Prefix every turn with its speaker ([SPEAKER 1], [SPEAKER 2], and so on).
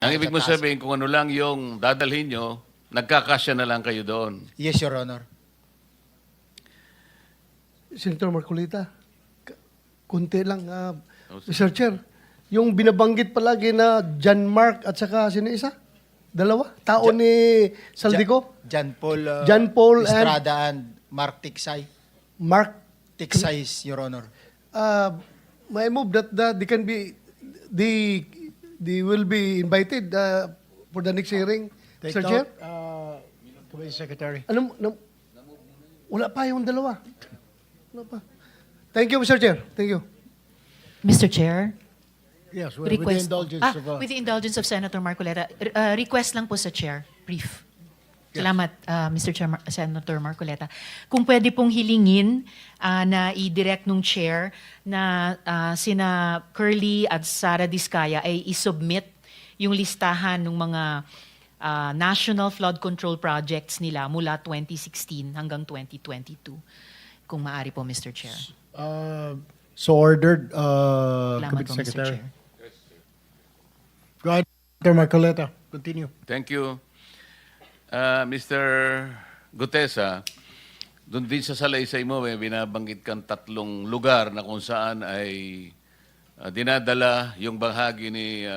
[SPEAKER 1] Ang ibig mo
[SPEAKER 2] Sa taas.
[SPEAKER 1] sabihin, kung ano lang yung dadalhin nyo, nagkakasya na lang kayo doon.
[SPEAKER 2] Yes, Your Honor.
[SPEAKER 3] Senator Marcolita, kunti lang. Mr. Chair, yung binabanggit palagi na John Mark at saka sino isa? Dalawa? Tao ni Saldico?
[SPEAKER 2] John Paul,
[SPEAKER 3] John Paul
[SPEAKER 2] Estrada and Mark Tiksay.
[SPEAKER 3] Mark,
[SPEAKER 2] Tiksay, Your Honor.
[SPEAKER 3] may move that they can be, they will be invited for the next hearing. Mr. Chair?
[SPEAKER 4] Committee Secretary.
[SPEAKER 3] Wala pa yung dalawa. Wala pa. Thank you, Mr. Chair. Thank you.
[SPEAKER 5] Mr. Chair,
[SPEAKER 4] Yes, with the indulgence of...
[SPEAKER 5] with the indulgence of Senator Marcoleta, request lang po sa Chair, brief. Salamat, Mr. Chair, Senator Marcoleta. Kung pwede pong hilingin na i-direct nung Chair na sina Curly at Sara Diskaya ay i-submit yung listahan ng mga national flood control projects nila mula 2016 hanggang 2022. Kung maaari po, Mr. Chair.
[SPEAKER 4] So ordered,
[SPEAKER 5] Salamat
[SPEAKER 4] Committee
[SPEAKER 5] po, Mr.
[SPEAKER 4] Secretary.
[SPEAKER 5] Chair.
[SPEAKER 4] Go ahead, Mr. Marcoleta. Continue.
[SPEAKER 1] Thank you. Mr. Gutesa, doon din sa salaysay mo, may binabanggit kang 3 lugar na kung saan ay dinadala yung bahagi ni